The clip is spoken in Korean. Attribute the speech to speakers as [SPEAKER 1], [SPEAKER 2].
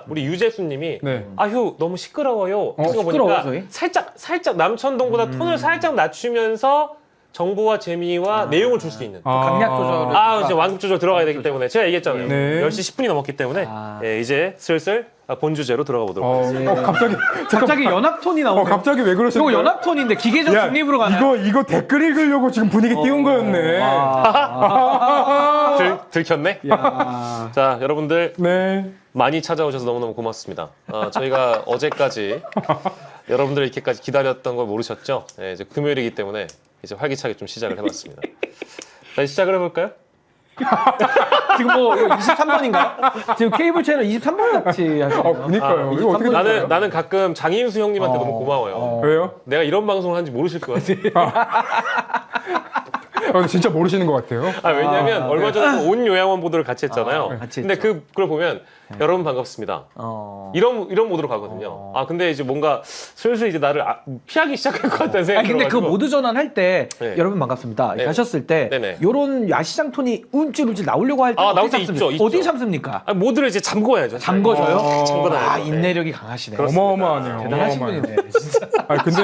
[SPEAKER 1] 우리 유재수님이
[SPEAKER 2] 네.
[SPEAKER 1] 아휴 너무 시끄러워요. 그거
[SPEAKER 3] 시끄러워요,
[SPEAKER 1] 보니까
[SPEAKER 3] 저희?
[SPEAKER 1] 살짝 남천동보다 톤을 살짝 낮추면서 정보와 재미와 내용을 줄 수 있는.
[SPEAKER 3] 강약 조절을.
[SPEAKER 1] 이제 완급 조절 들어가야 되기 때문에 제가 얘기했잖아요.
[SPEAKER 2] 네.
[SPEAKER 1] 10시 10분이 넘었기 때문에 예, 이제 슬슬 본 주제로 들어가 보도록 하겠습니다.
[SPEAKER 2] 갑자기
[SPEAKER 3] 갑자기 연합톤이 나오네요.
[SPEAKER 2] 갑자기 왜 그러셨어요?
[SPEAKER 3] 이거 연합톤인데 기계적 중립으로 가나요?
[SPEAKER 2] 이거 댓글 읽으려고 지금 분위기 띄운 거였네.
[SPEAKER 1] 들켰네?
[SPEAKER 3] 야.
[SPEAKER 1] 자, 여러분들
[SPEAKER 2] 네.
[SPEAKER 1] 많이 찾아오셔서 너무너무 고맙습니다. 저희가 어제까지 여러분들 이렇게까지 기다렸던 걸 모르셨죠? 예, 이제 금요일이기 때문에 이제 활기차게 좀 시작을 해봤습니다. 다시 시작을 해볼까요?
[SPEAKER 3] 지금 뭐 23번인가요? 지금 케이블 채널 23번 같이 하시네요.
[SPEAKER 2] 그니까요. 이거 어떻게
[SPEAKER 1] 나는 가끔 장인수 형님한테 너무 고마워요.
[SPEAKER 2] 왜요?
[SPEAKER 1] 내가 이런 방송을 하는지 모르실 것 같아.
[SPEAKER 2] 진짜 모르시는 것 같아요.
[SPEAKER 1] 왜냐면 얼마 전에 온 요양원 보도를 같이 했잖아요.
[SPEAKER 3] 같이
[SPEAKER 1] 근데 그걸 보면 여러분 반갑습니다. 이런 모드로 가거든요. 근데 이제 뭔가 슬슬 이제 나를 피하기 시작할 것 같다는 생각이
[SPEAKER 3] 근데 그
[SPEAKER 1] 들어가지고.
[SPEAKER 3] 모드 전환 할 때
[SPEAKER 1] 네.
[SPEAKER 3] 여러분 반갑습니다. 이렇게
[SPEAKER 1] 네.
[SPEAKER 3] 하셨을 때
[SPEAKER 1] 네네.
[SPEAKER 3] 요런 야시장 톤이 움찔움찔 나오려고 할 때
[SPEAKER 1] 나올
[SPEAKER 3] 어디
[SPEAKER 1] 때
[SPEAKER 3] 참습니까?
[SPEAKER 1] 있죠.
[SPEAKER 3] 어디 참습니까?
[SPEAKER 1] 모드를 이제 잠궈야죠.
[SPEAKER 3] 잠궈줘요?
[SPEAKER 1] 잠궈놔야죠. 네.
[SPEAKER 3] 인내력이 강하시네.
[SPEAKER 2] 어마어마하네요.
[SPEAKER 3] 대단하신
[SPEAKER 2] 어마어마해요.
[SPEAKER 3] 분이네. 진짜.
[SPEAKER 2] 근데